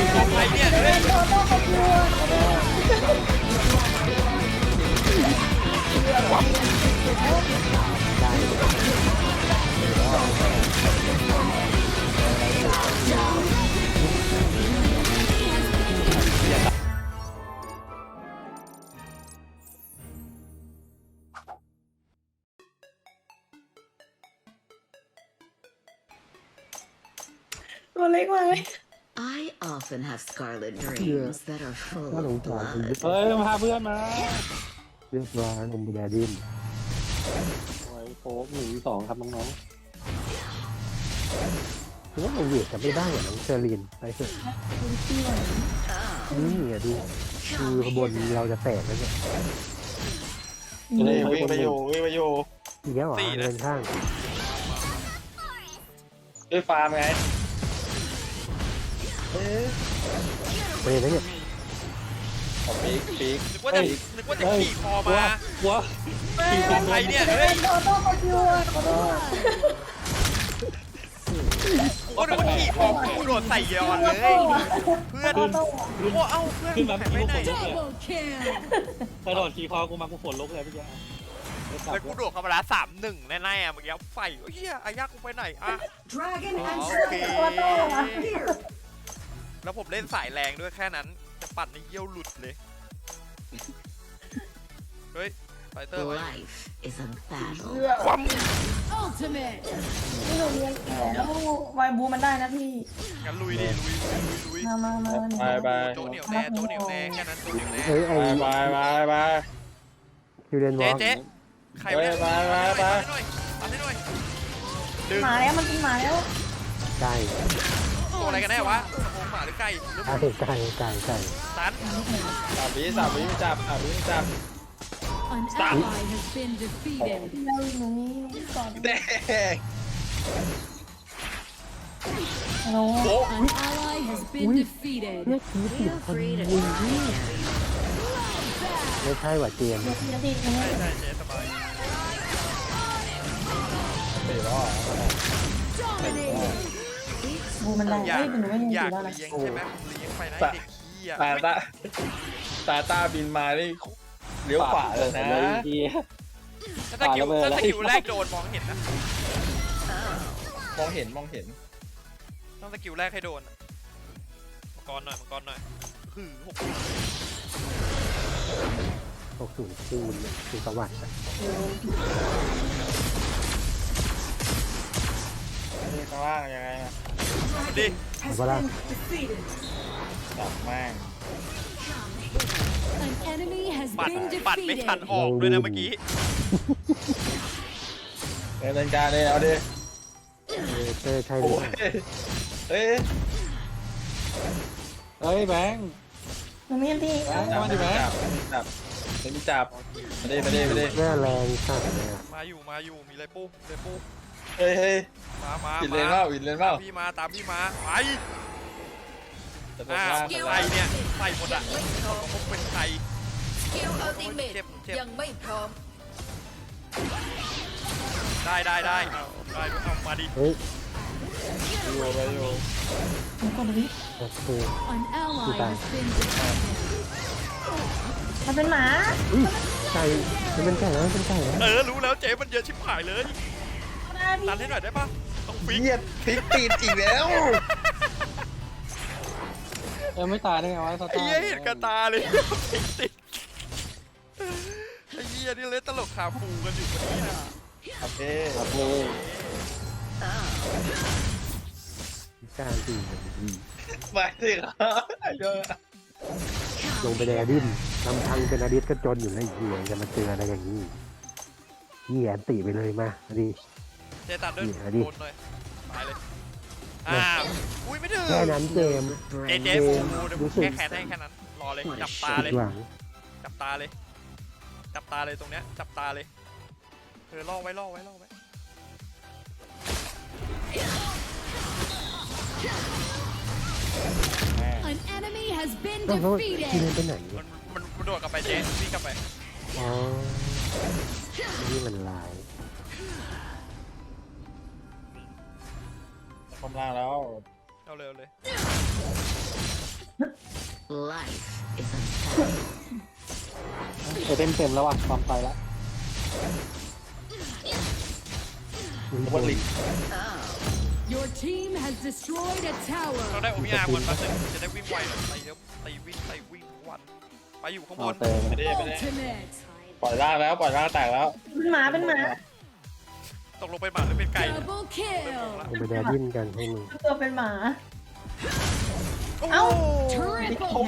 ของใครเนี่ยเฮ้ยตัวเล็กมากเลย I often have scarlet dreams that are full น่าสง of สารคุณ blood. เฮ้ยมาพาเพื่อนมาเรียบร้อยผมแดดินโอ้ยโฟก1-2ครับน้องคือว่าเราเวทจะไม่ได้เหรอน้องเชอรีนไปเถอะนี่อ่ะดูขบวนเราจะแตกแล้วเนี่ยวิ่งไปอยู่วิ่งไปอยู่อีกแล้วเหรอเดินข้างด้วยฟาร์มไงไปเลยนะเนี่ยของปีกนึกว่าจะขี่คอๆมาวัวของใครเนี่ยเฮ้ยโดนต้องมาคิวขอโทษโอ้นึกว่าขี่คอกูโดดใส่ยอนเลยเพื่อนโอ้เอ้าเพื่อนขึ้นมาหายไปไหนกระโดดขี่คอกูมากูฝนลุกเลยพี่แจ๊แล้วกูโดดเข้ามาละ3-1แน่ๆอะเมื่อกี้ไฟเฮียอายากูไปไหนอ่ะ Dragon อ๋อ and โอเค Here. แล้วผมเล่นสายแรงด้วยแค่นั้นจะปั่นในเยี่ยวหลุดเลยเฮ้ยไฟเตอร์ไว้ Life is a battle. ความ Ultimate. พี่หนูเรียนแก่แล้ววายบูมันได้นะพี่งั้นลุยดิลุยมาไปโจ๊ะเหนียวแน่โจ๊ะเหนียวแน่แค่นั้นโจ๊ะเหนียวแน่เฮ้ยไอ้ไปคิวเรนวอเจ๊ล์กใครวะเนี่ยไปปัดให้หน่อยดึงหมาแล้วมันกินหมาแล้วไก่ตัวอะไรกันแน่วะสมองหมาหรือไก่หรือไก่ตัไก่น 3 วิจับ An ally has been defeated. เราหนูนี่ก่อนแดงโน้ An ally has been defeated. Feel free to try it. ไม่ใช่หว่าเจมส์พี่นาทีนี้ใช่ใช่เจ๊สบาย 4 รอบบูมันได้อยากเฮ้ยหนูไม่ยังออยู่ยากแล้วนะเลี้ยงใช่ไหมเลี้ยงไปนะเด็กขี้อ่ะตาบินมานี่เลี้ยวขวาเลยนะถ้าสกิลแรกโดนมองเห็นนะมองเห็นต้องสกิลแรกให้โดนมังกรหน่อยคือ 60คูณคือสวัสดิ์นี่ข้างล่างยังไงดิเอาปะล่ะจับแม่ง An enemy has ปัด been ปัดไม่ทัน defeated. ออกด้วยนะเมื่อกี้เดินการเลยเอาดิเจอใช่หรือเปล่าเฮ้ยเฮ้ยแบงค์หนูไม่ยังที่จับไม่มีจับมาดิแม่แรงสัตว์เลยอะมาอยู่มีอะไรปุ๊บเฮ้ยมาวินเลนเปล่าวินเลนเปล่าตามพี่มาไปจะตกล่างใส่เนี่ยใส่หมดอ่ะพกเป็นใคร Skill ultimate เจ็บยังไม่พร้อมได้เอามาดิเฮ้ยอยู่หนูกดดูดิโอเค An ally has been defeated. มันเป็นหมาไก่มันเป็นไก่แล้วมันเป็นไก่แล้วรู้แล้วเจ๊มันเยอะชิบหายเลยได้พี่ตันให้หน่อยได้ปะต้องฟิกเหี้ยพลิกตีนอีกแล้วไม่ตายได้ไงวะสไอ้ตาร์เหี้ยเห็นกระตาเลยฟิกติดไอ้เหี้ยนี่เล่นตลกขาฟูกันอยู่วันนี้โอเคการตีไปสิครับเยอะลงไปในอดินลำพังเป็นอดิสก็จนอยู่แล้วอีกเหี้ยจะมาเจออะไรอย่างนี้เหี้ยตีไปเลยมาอดีเจ๊ตัดด้วยโดนหน่อยตายเลยอุ้ยไม่ถึงแค่นั้นเจมส์เจ๊ฟูเดี๋ยวแก้แค้นให้แค่นั้นรอเลยจับตาเลยหวังจับตาเลยตรงเนี้ยจับตาเลยล่อไว้ An enemy has been ต้องเขาที defeated. นึงไปไหนมันโดดกลับไปเจ๊วิ่งกลับไปอ๋อนี่มันลายคอมล่างแล้วเอาเร็วเลย Life is a battle. เต็มแล้วว่ะความไปแล้ววันลิง Your team has destroyed a tower. เราได้โอมิอาร์วันมาจะได้วิ่งไวหน่อยไปเดี๋ยวตีวิ่งวันไปอยู่ข้างบนไม่ได้ Ultimate. ปล่อยล่างแล้วปล่อยล่างแตกแล้วเป็นหมาเป็นหมาตกลงไปหมาหรือเป็นไก่ Double kill. ลงไปแดดดิ้นกันให้มึงตัวเป็นหมาโอ้เอ้า Triple kill.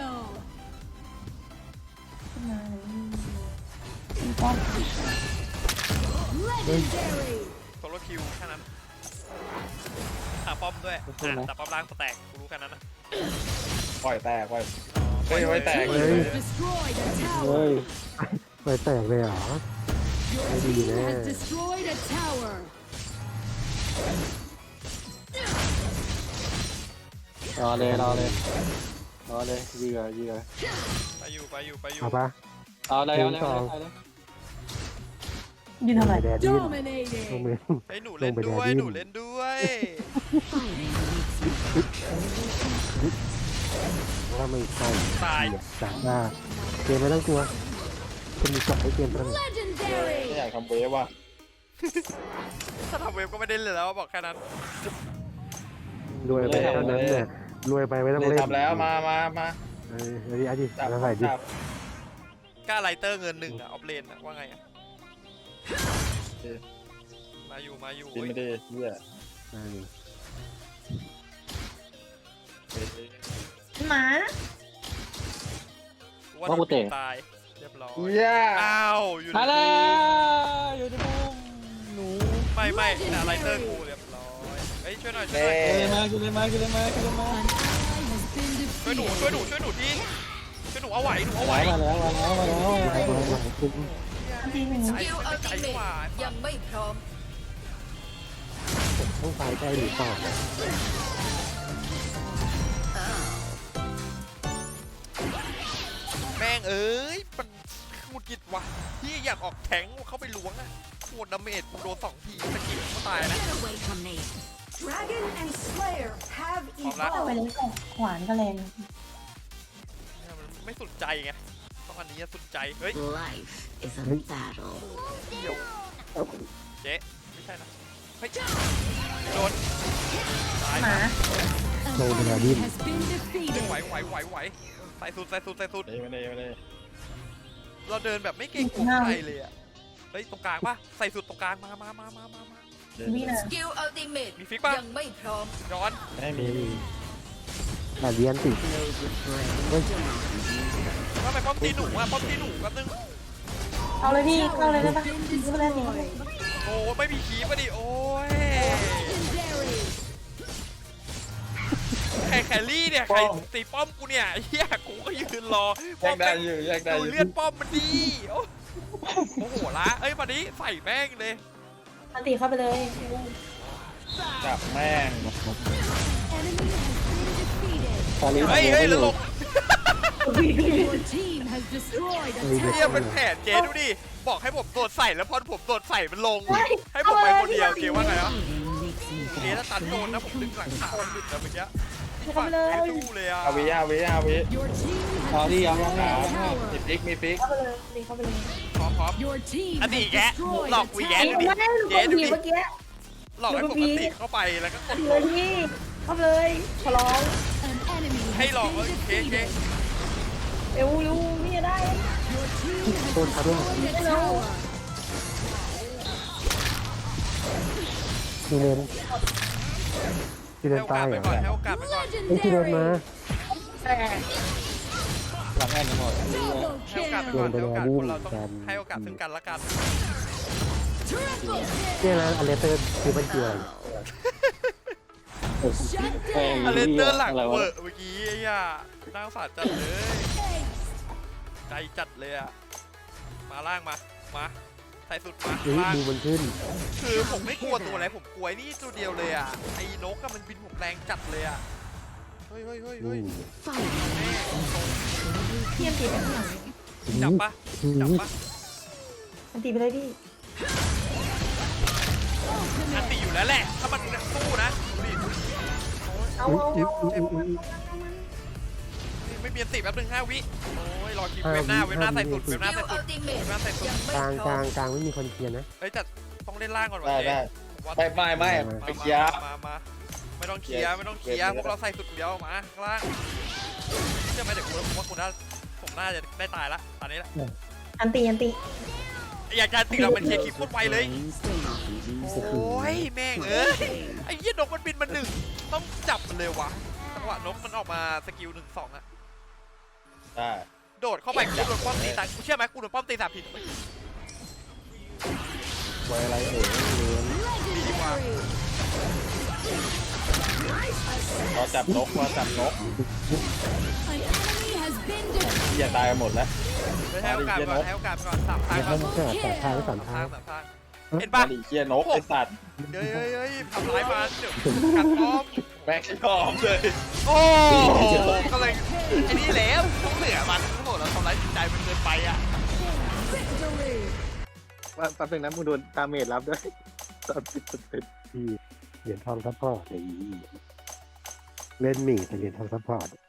ป้อม Legendary. โซโลคิวแค่นั้นหาป้อมด้วยแต่ป้อมล่างแตกกูรู้แค่นั้นนะปล่อยแตกปล่อยเฮ้ยไม่แตก Team เลย has destroyed a เฮ้ tower. ยไปแตกเลยเหรอ Your Maybe team there. has destroyed a tower. รอเลยยื้อไปอยู่เอาปะเอาเลยยืนทำไมไปแดดดิ้นลง Dominating. ไปไอ้หนูเล่นด้วยลงไปแดดดิ้นหนูเล่นด้วย Fighting makes me ว่าไม่ใช่ตายจากหน้าเกมไม่ต้องกลัวจะมีจบให้เกมทั้ง Legendary. ไม่อยากทำเวฟว่ะถ้าทำเว็บก็ไม่ได้เลยแล้วบอกแค่นั้นรวยไปเท่านั้นเนี่ยรวยไปไม่ต้องเลยเล่นทำแล้วมาเออเอาดิเอาดิจับเอาใส่ดิจับกล้าไลเตอร์เงินหนึ่งอะออฟเลนอะว่าไงอะมาอยู่กินไม่ได้เหี้ยเออหมาว่าโดนตายเรียบร้อยเหี้ยอ้าวอยู่ในมาแล้วกูอยู่ในมุมหนูไม่แต่ไลเตอร์กูเรียบร้อยเฮ้ยช่วยหน่อยเน่ขึ้นเลยมา An ally has been ช่วยหนู defeated. ช่วยหนูทีช่วยหนูเอาไหวหนูเอาไหวมาแล้วอันทีหนึ่งใจกว่ายังไม่พร้อมต้องตายใกล้หรือเปล่าแม่งเอ้ยมันหงุดหงิดว่ะพี่อยากออกแทงเข้าไปล้วงอะโคตรดาเมจกูโดน2 ทีสกิลก็ตายนะ Get away from me. Dragon and Slayer have พร้อมละเอาไปเลยก่อนขวานก็แรงมันไม่สุดใจไงต้องอันนี้สุดใจเฮ้ย Life is a battle. เดี๋ยวเจ๊ไม่ใช่นะเฮ้ยโดนตายหมา An No, but I enemy didn't. has been defeated. ไหวใส่สุดไม่ได้เราเดินแบบไม่เกรงกลัวใครเลยอะเฮ้ยตรงกลางป่ะใส่สุดตรงกลางมานี่นะ Skill ultimate มีฟิกป่ะยังไม่พร้อมย้อนไม่มีแต่เรียนติดว่าไปป้อมตีหนูแป๊บนึงเอาเลยพี่เข้าเลยได้ปะ Been เข้าเลยดิ destroyed. โอ้ไม่มีคีบอ่ะดิโอ้ย Legendary. ใครแครี่เนี่ยใครตีป้อมกูเนี่ยเฮียกูก็ยืนรอแยกได้อยู่แยกได้อดูยู่เลือดป้อมมันดีโอ้โหละเอ้ยมาดิใส่แม่งเลยอันตีเข้าไปเลยจับแม่ง Enemy has been defeated. เฮ้ยแล้วลง Your team has destroyed a เฮีย tower. เป็นแผนเจ๊ดูดิบอกให้ผมโดดใส่แล้วพอผมโดดใส่มันลง ให้ผมไปคนเดียวเจ๊ว่าไงวะ Fighting makes me เจ๊ถ้าตันโดนนะผมดึงหลังขาหลุดแล้วเมื่อกี้เข้าไปเลยไม่สู้เลยอ่ะอาวิ Your team เอา has ดิเอา destroyed a มี tower. ฟิกมีฟิกเข้าไปเลยตีเข้าไปเลยพร้อม Your team อัน has นี้แก destroyed หลอก a วีแกตีดูดิไม่ได้หนูกดผีเมื่อกี้หลอกให้ผมกติเข้าไปแล้วก็กดตีลเลยงพี่เข้าไปเลยขอร้อง An enemy ให้ has หลอก been เอ้ยเจ๊ defeated. เอวยูนี่ได้ Your team has โดนทับแล้ว destroyed a tower. ที่เล่นที่ให้เล่นโอกาตาสยไปเหรอก่อนให้โอกาสไปก่อนไอ้ที่เล่นมา Legendary. แต่หลังแอนหมด Double ให้โอกาสไป kill. ก่อนให้โอกาสคนเราต้องให้โอกาสซึ่งกันและกัน Triple เนี่ยนะอเลเตอร์คือมันเกี่ยวอะไร Shut แม่ง down. อเลนเตอร์หลังอะไรเววะอร์เมื่อกี้ไอ้ย่าน่าสงสารจัดเลยใจจัดเลยอ่ะมาล่างมาใส่สุดมาเฮ้ยล่างดูมันขึ้นคือผมไม่กลัวตัวอะไรผมกลัวไอ้นี่ตัวเดียวเลยอ่ะไอ้นกก็มันบินผมแรงจัดเลยอ่ะเฮ้ยนี่ Fighting เทียมตีไปข้างหลังจับปะอันตีไปเลยพี่อันตีอยู่แล้วแหละถ้ามันสู้นะดูดิเอาเจ็บมันมไม่มีอันติแป๊บนึง5 วิโอ้ยรอคิวเว็บหน้าใส่สุดเว็บหน้าใส่สุดเว็บหน้าใส่สุดกลางกลางกลางไม่มีคนเคลียร์นะเอ้ยแต่ต้องเล่นล่างก่อนวะได้เจ๊ได้ผมว่าไม่ไปเคลียร์มาไม่ต้องเคลียร์ไม่ต้องเคลียร์พวกเราใส่สุดเดียวมาข้างล่างเชื่อไหมเดี๋ยวผมว่าคุณผมน่าจะได้ตายละตอนนี้ละอันตีอยากจะติดเราเป็นเคลียร์คลิปโคตรไวเลย โอ้ยแม่งเอ้ยไอ้เหี้ยนกมันบินมาหนึ่งต้องจับมันเลยวะจังหวะนกมันออกมาสกิล1-2อะได้โดดเข้าไปกูโดนป้อมตีตายกูเชื่อไหมกูโดนป้อมตีสามทีไว้อะไรเอ่ยดีกว่ารอจับนก An enemy has been defeated. อย่าตายกันหมดแล้วให้โอกาสก่อนให้โอกาสก่อน3 ทางให้ก่อนมันเกิดแต่ทางสาม 3 ทาทางง 3 ทางเห็นปะมาดิเคลียร์นกไอ้สัตว์เฮ้ยทำร้ายมันเดี๋ยวกัดป้อมแม็กซ์ยอมเลยโอ้ก็เลยไอ้นี่แหละต้องเหลือมันทั้งหมดเราทำร้ายจิตใจมันเกินไปอ่ะ Victory. ว่าแป๊บนึงนะมึงโดนดาเมจรับด้วย30% ที่เหรียญทองซัพพอร์ตไอ้เล่นหมี่แต่เหรียญทองซัพพอร์ต